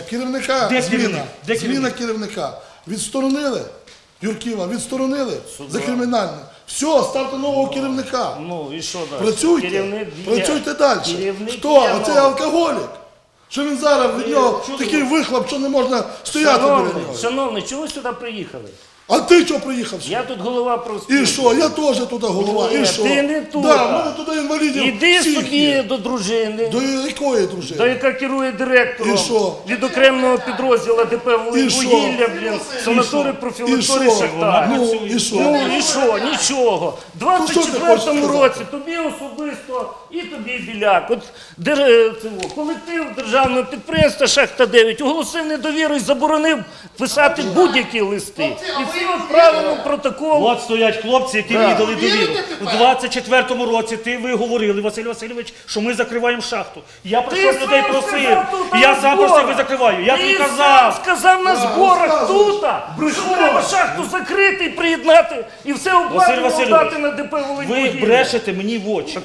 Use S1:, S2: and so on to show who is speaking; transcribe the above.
S1: керівника,
S2: Де
S1: зміна,
S2: керівник? Де
S1: зміна
S2: керівник?
S1: керівника. Відсторонили Юрківа, відсторонили за кримінальне. Все, ставте нового керівника.
S3: Ну і що далі?
S1: Працюйте,
S3: Керівник є.
S1: працюйте далі.
S3: Керівник
S1: Хто?
S3: є,
S1: Оцей
S3: ну.
S1: алкоголік? Що він зараз, від нього такий вихлоп, що не можна стояти біля нього.
S3: Шановний, чого ви сюди приїхали?
S1: А ти чого приїхав сюди?
S3: Я тут голова профспілки.
S1: І що? Я теж туди голова.
S3: Ні,
S1: І що?
S3: ти не тут.
S1: Да, в мене туди інвалідів
S3: Іди
S1: всіх
S3: собі
S1: є.
S3: до дружини,
S1: До якої дружини?
S3: до яка керує директором
S1: І що?
S3: від окремого підрозділу ДП
S1: І що?
S3: «Вугілля», блін, санаторій
S1: І
S3: профілакторії
S1: що?
S3: Шахтар.
S1: Ну, і що?
S3: Ну і що? Нічого. В
S1: що ти хочеш
S3: 24-му
S1: сказати?
S3: році тобі особисто і тобі Біляк. От колектив державного підприємства «Шахта-9» оголосив недовіру і заборонив писати будь-які листи. І всі відправили в протокол.
S2: От стоять хлопці, які мені дали довіру. У 24-му році ви говорили, Василь Васильович, що ми закриваємо шахту. Я прийшов
S3: Ти
S2: людей
S3: сам
S2: просив.
S3: сказав тут
S2: І я
S3: на
S2: сам
S3: зборах.
S2: просив і закриваю. Я тобі
S3: Ти сам
S2: казав.
S3: сказав на зборах тут,
S1: Брехун.
S3: що треба шахту закрити і приєднати, і все
S2: Василь
S3: обладнання
S2: Васильович,
S3: дати на ДП
S2: ви
S3: «Волиньвугілля».
S2: брешете мені в очі.